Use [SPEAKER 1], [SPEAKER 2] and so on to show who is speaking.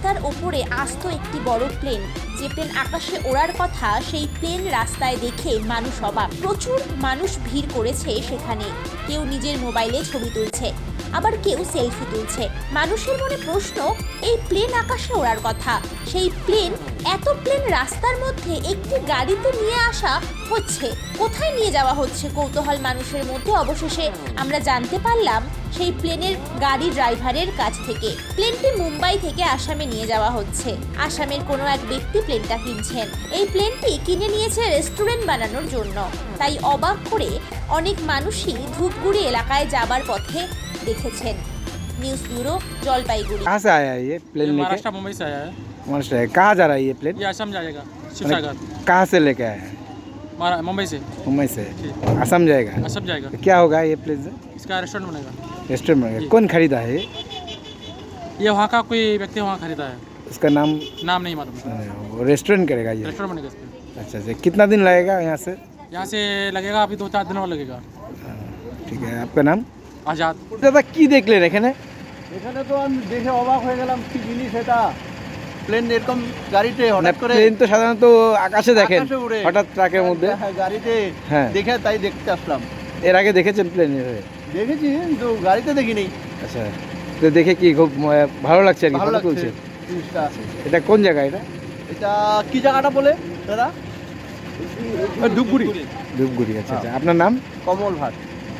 [SPEAKER 1] রাস্তার ওপরে আস্ত একটি বড় প্লেন, যে প্লেন আকাশে ওড়ার কথা, সেই প্লেন রাস্তায় দেখে মানুষ অবাক। প্রচুর মানুষ ভিড় করেছে সেখানে। কেউ নিজের মোবাইলে ছবি তুলছে, আবার কেউ সেলফি তুলছে। মানুষের মনে প্রশ্ন, এই প্লেন আকাশে ওড়ার কথা, সেই প্লেন, এত প্লেন রাস্তার মধ্যে একটি গাড়িতে নিয়ে আসা হচ্ছে, কোথায় নিয়ে যাওয়া হচ্ছে কৌতূহল মানুষের মধ্যে। অবশেষে আমরা জানতে পারলাম সেই প্লেনের গাড়ি ড্রাইভারের কাছ থেকে, প্লেনটি মুম্বাই থেকে আসামে নিয়ে যাওয়া হচ্ছে। আসামের কোনো এক ব্যক্তি প্লেনটা কিনছেন। এই প্লেনটি কিনে নিয়েছে রেস্টুরেন্ট বানানোর জন্য। তাই অবাক করে অনেক মানুষই ধূপগুড়ি এলাকায় যাবার পথে দেখেছেন। News bureau Jalpaiguri.
[SPEAKER 2] कहाँ से आया है ये प्लेन लेके?
[SPEAKER 3] महाराष्ट्र मुंबई से आया है।
[SPEAKER 2] महाराष्ट्र है। कहाँ जा रहा है ये प्लेन?
[SPEAKER 3] ये असम जाएगा, शिवसागर।
[SPEAKER 2] कहाँ से लेके आया है?
[SPEAKER 3] मुंबई से
[SPEAKER 2] मुंबई से असम जाएगा।
[SPEAKER 3] असम जाएगा।
[SPEAKER 2] तो क्या होगा ये प्लेन से?
[SPEAKER 3] इसका रेस्टोरेंट बनेगा।
[SPEAKER 2] रेस्टोरेंट में कौन खरीदा है
[SPEAKER 3] ये वहाँ का कोई व्यक्ति वहाँ खरीदा है,
[SPEAKER 2] उसका नाम?
[SPEAKER 3] नाम नहीं मालूम।
[SPEAKER 2] वो रेस्टोरेंट करेगा ये?
[SPEAKER 3] रेस्टोरेंट बनेगा इस पे।
[SPEAKER 2] अच्छा अच्छा, कितना दिन लगेगा यहाँ से?
[SPEAKER 3] यहाँ से लगेगा अभी 2-4 दिन और लगेगा।
[SPEAKER 2] ঠিক আছে, আপনার নাম?
[SPEAKER 3] आज़ाद।
[SPEAKER 2] দাদা কি দেখলেন এখানে?
[SPEAKER 4] এখানে তো আমি দেখে অবাক হয়ে গেলাম, কি জিনিস এটা। প্লেন এরকম গাড়িতে
[SPEAKER 2] না,
[SPEAKER 4] হঠাৎ করে
[SPEAKER 2] প্লেন তো সাধারণত আকাশে দেখেন,
[SPEAKER 4] আকাশে উড়ে।
[SPEAKER 2] হঠাৎ ট্রাকের মধ্যে।
[SPEAKER 4] হ্যাঁ, গাড়িতে
[SPEAKER 2] হ্যাঁ।
[SPEAKER 4] দেখে তাই দেখতে আসলাম।
[SPEAKER 2] এর আগে দেখেছেন প্লেন?
[SPEAKER 4] দেখেছি কিন্তু গাড়িতে দেখিনি।
[SPEAKER 2] আচ্ছা, তো দেখে কি খুব ভালো লাগছে আর কি,
[SPEAKER 4] ভালো
[SPEAKER 2] ফটো
[SPEAKER 4] লাগছে
[SPEAKER 2] তুলছে?
[SPEAKER 4] জিনিসটা।
[SPEAKER 2] এটা কোন জায়গা এটা?
[SPEAKER 4] এটা কি জায়গাটা বলে দাদা? ধূপগুড়ি।
[SPEAKER 2] ধূপগুড়ি। আচ্ছা আচ্ছা, আপনার নাম?
[SPEAKER 4] কমল ভাট।